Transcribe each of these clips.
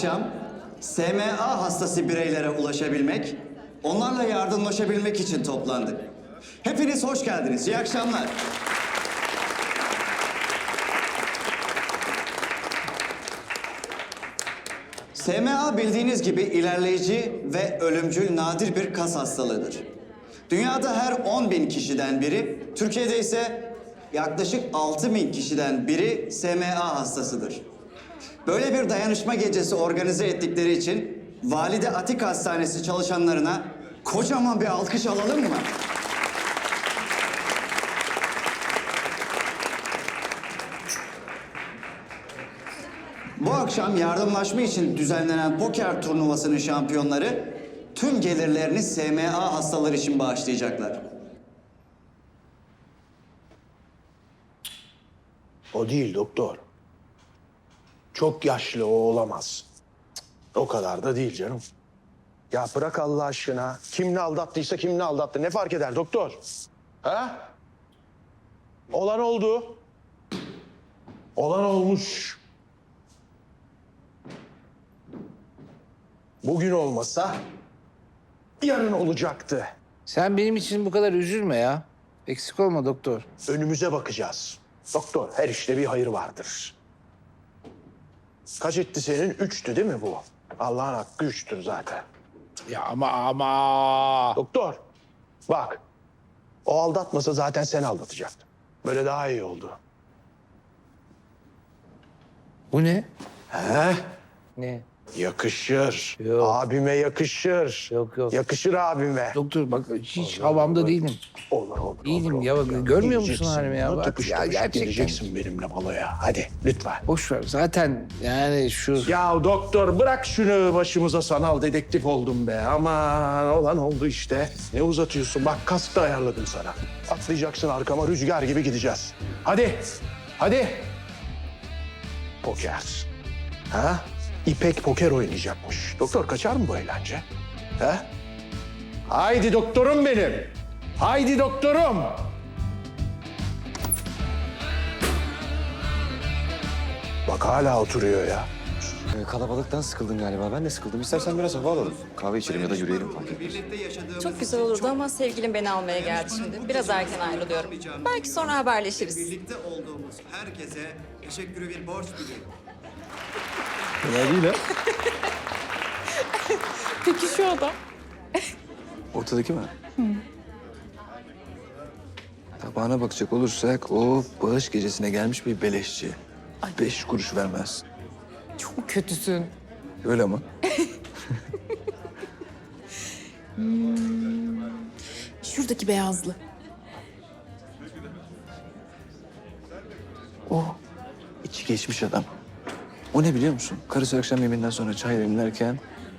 akşam SMA hastası bireylere ulaşabilmek, onlarla yardımlaşabilmek için toplandık. Hepiniz hoş geldiniz. İyi akşamlar. SMA bildiğiniz gibi ilerleyici ve ölümcül nadir bir kas hastalığıdır. Dünyada her 10.000 kişiden biri, Türkiye'de ise yaklaşık 6.000 kişiden biri SMA hastasıdır. Böyle bir dayanışma gecesi organize ettikleri için Valide Atik Hastanesi çalışanlarına kocaman bir alkış alalım mı? Bu akşam yardımlaşma için düzenlenen poker turnuvasının şampiyonları tüm gelirlerini SMA hastaları için bağışlayacaklar. O değil doktor. Çok yaşlı o olamaz. Cık, o kadar da değil canım. Ya bırak Allah aşkına. Kim ne aldattıysa kim ne aldattı. Ne fark eder doktor? Ha? Olan oldu. Olan olmuş. Bugün olmasa yarın olacaktı. Sen benim için bu kadar üzülme ya. Eksik olma doktor. Önümüze bakacağız. Doktor, her işte bir hayır vardır. Kaç etti senin? 3'tü değil mi bu? Allah'ın hakkı 3'tür zaten. Ya ama. Doktor, bak. O aldatmasa zaten sen aldatacaktın. Böyle daha iyi oldu. Bu ne? He? Ne? Yakışır. Yok. Abime yakışır. Yok, yok. Yakışır abime. Doktor bak hiç havamda değilim. Olur. Değilim olur. ya, bak, görmüyor musun Gideceksin, halimi ya? bunu Bak, tıkış ya tıkış gerçekten. Geleceksin benimle baloya. Hadi lütfen. Boş ver zaten yani şu... Ya doktor bırak şunu, başımıza sanal dedektif oldum be. Aman olan oldu işte. Ne uzatıyorsun? Bak kask da ayarladım sana. Atlayacaksın arkama, rüzgar gibi gideceğiz. Hadi. Poker. Ha? İpek poker oynayacakmış. Doktor kaçar mı bu eğlence? Ha? Haydi doktorum benim. Haydi doktorum. Bak hala oturuyor ya. Kalabalıktan sıkıldın galiba. Ben de sıkıldım. İstersen biraz hava alalım. Kahve içelim ya da yürüyelim fark etmez. Çok güzel olurdu ama sevgilim beni almaya geldi şimdi. Biraz erken ayrılıyorum. Belki sonra haberleşiriz. Birlikte olduğumuz herkese teşekkürü bir borç biliyorum. Fena değil ha. Peki şu adam? Ortadaki mi? Tabağına bakacak olursak o bağış gecesine gelmiş bir beleşçi. 5 kuruş vermez. Çok kötüsün. Öyle ama. Şuradaki beyazlı. O içi geçmiş adam. O ne biliyor musun? Karısı akşam yemeğinden sonra çay demlerken...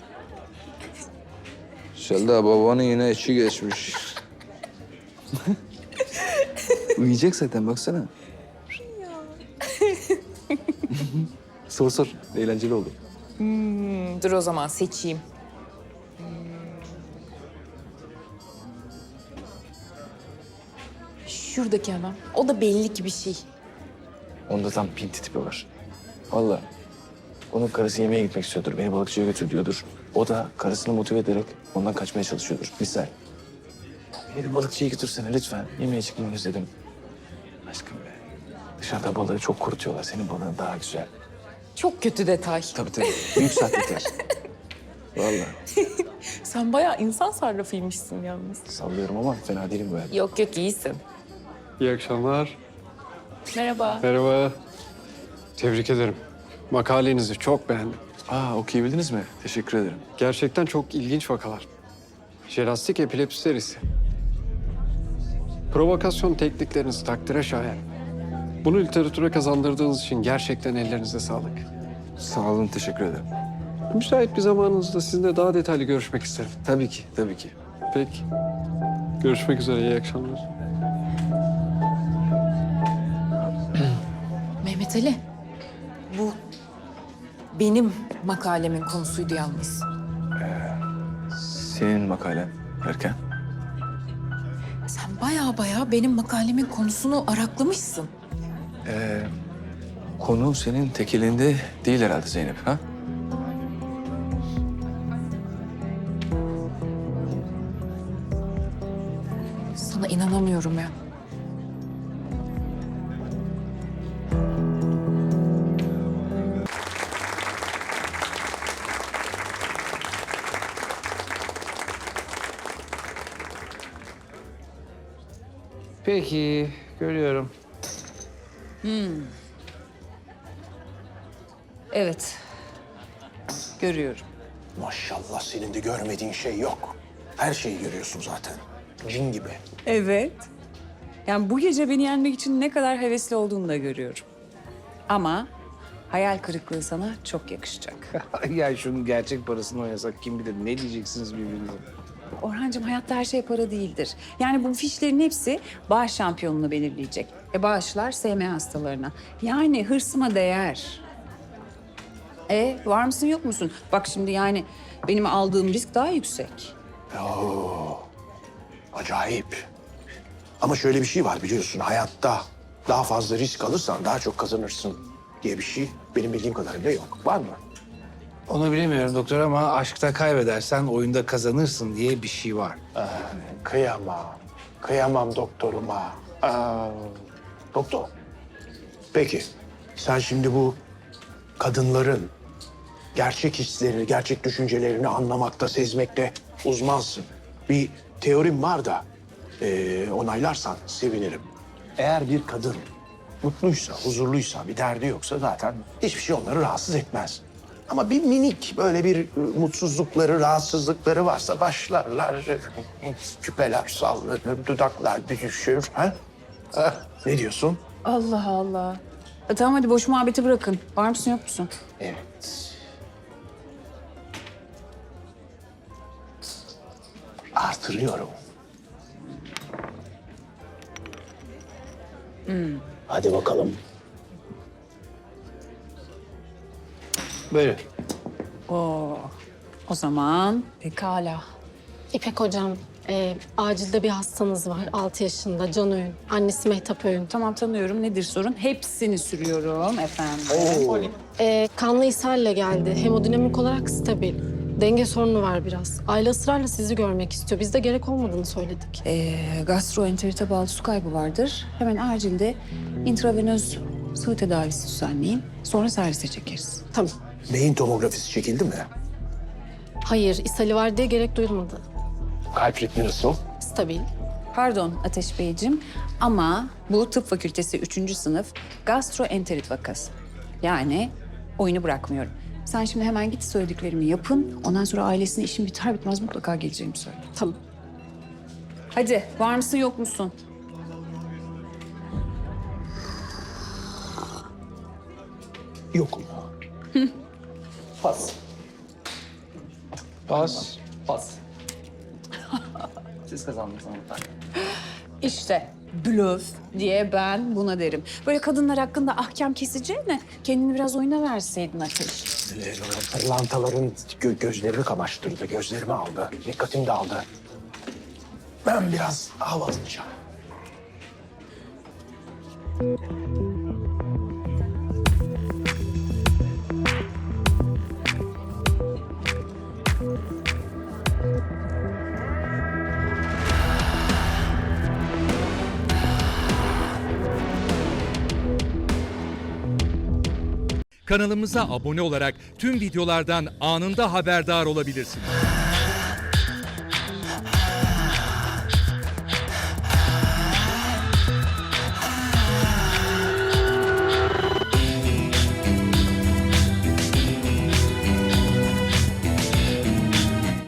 Selda babanın yine içi geçmiş. Uyuyacak zaten baksana. Sor. Eğlenceli oldu. Dur o zaman seçeyim. Şuradaki adam. O da belli ki bir şey. Onda tam pinti tipi var. Vallahi. Onun karısı yemeğe gitmek istiyordur. Beni balıkçıya götür diyordur. O da karısını motive ederek ondan kaçmaya çalışıyordur. Misal. Beni bir balıkçıya götürsene lütfen. Yemeğe çıkmayı özledim. Aşkım be. Dışarıda balığı çok kurutuyorlar. Senin balığın daha güzel. Çok kötü detay. Tabii. Büyük sahtekar. Vallahi. Sen bayağı insan sarrafıymışsın yalnız. Sallıyorum ama fena değilim böyle. Yok iyisin. İyi akşamlar. Merhaba. Merhaba. Tebrik ederim. Makalenizi çok beğendim. Okuyabildiniz mi? Teşekkür ederim. Gerçekten çok ilginç vakalar. Jelastik epilepsi serisi. Provokasyon teknikleriniz takdire şayan. Bunu literatüre kazandırdığınız için gerçekten ellerinize sağlık. Sağ olun, teşekkür ederim. Müsait bir zamanınızda sizinle daha detaylı görüşmek isterim. Tabii ki. Peki. Görüşmek üzere, iyi akşamlar. Mehmet Ali. Bu benim makalemin konusuydu yalnız. Senin makalen derken? Sen baya benim makalemin konusunu araklamışsın. Konu senin tek elinde değil herhalde Zeynep, ha? Sana inanamıyorum ya. Peki, görüyorum. Evet. Görüyorum. Maşallah senin de görmediğin şey yok. Her şeyi görüyorsun zaten. Cin gibi. Evet. Yani bu gece beni yenmek için ne kadar hevesli olduğunu da görüyorum. Ama hayal kırıklığı sana çok yakışacak. Ya şunun gerçek parasını oynasak kim bilir ne diyeceksiniz birbirinize. Orhancığım hayatta her şey para değildir. Yani bu fişlerin hepsi bağış şampiyonunu belirleyecek. Bağışlar SM hastalarına. Yani hırsıma değer. Var mısın yok musun? Bak şimdi yani benim aldığım risk daha yüksek. Acayip. Ama şöyle bir şey var biliyorsun. Hayatta daha fazla risk alırsan daha çok kazanırsın diye bir şey benim bildiğim kadarıyla yok. Var mı? Onu bilemiyorum doktor ama aşkta kaybedersen oyunda kazanırsın diye bir şey var. Kıyamam. Kıyamam doktoruma. Doktor. Peki sen şimdi bu kadınların gerçek hislerini, gerçek düşüncelerini anlamakta, sezmekte uzmansın. Bir teorim var da onaylarsan sevinirim. Eğer bir kadın mutluysa, huzurluysa, bir derdi yoksa zaten hiçbir şey onları rahatsız etmez. Ama bir minik böyle bir mutsuzlukları, rahatsızlıkları varsa başlarlar. Küpeler sallanır, dudaklar düşür. Ha? Ne diyorsun? Allah Allah. Tamam hadi boş muhabbeti bırakın. Var mısın yok musun? Evet. Artırıyorum. Hadi bakalım. Böyle. O zaman pekala. İpek hocam, acilde bir hastanız var. 6 yaşında Can Öğün. Annesi Mehtap Öğün. Tamam tanıyorum. Nedir sorun? Hepsini sürüyorum efendim. Kanlı ishalle geldi. Hemodinamik olarak stabil. Denge sorunu var biraz. Aile ısrarla sizi görmek istiyor. Biz de gerek olmadığını söyledik. Gastroenterite bağlı su kaybı vardır. Hemen acilde intravenöz sıvı tedavisi düzenleyin. Sonra servise çekeriz. Tamam. Beyin tomografisi çekildi mi? Hayır, ishali var diye gerek duyulmadı. Kalp ritmi nasıl? Stabil. Pardon Ateş Beyciğim ama bu tıp fakültesi 3. sınıf gastroenterit vakası. Yani oyunu bırakmıyorum. Sen şimdi hemen git söylediklerimi yapın. Ondan sonra ailesine işim biter bitmez mutlaka geleceğimi söyle. Tamam. Hadi var mısın yok musun? Yok mu? Pas. Pas. Pas. Siz kazandınız ama. İşte blöf diye ben buna derim. Böyle kadınlar hakkında ahkam keseceğine kendini biraz oyuna verseydin Ateş. Pırlantaların gözlerini kamaştırdı, gözlerimi aldı, dikkatim dağıldı. Ben biraz hava alacağım. Kanalımıza abone olarak tüm videolardan anında haberdar olabilirsiniz.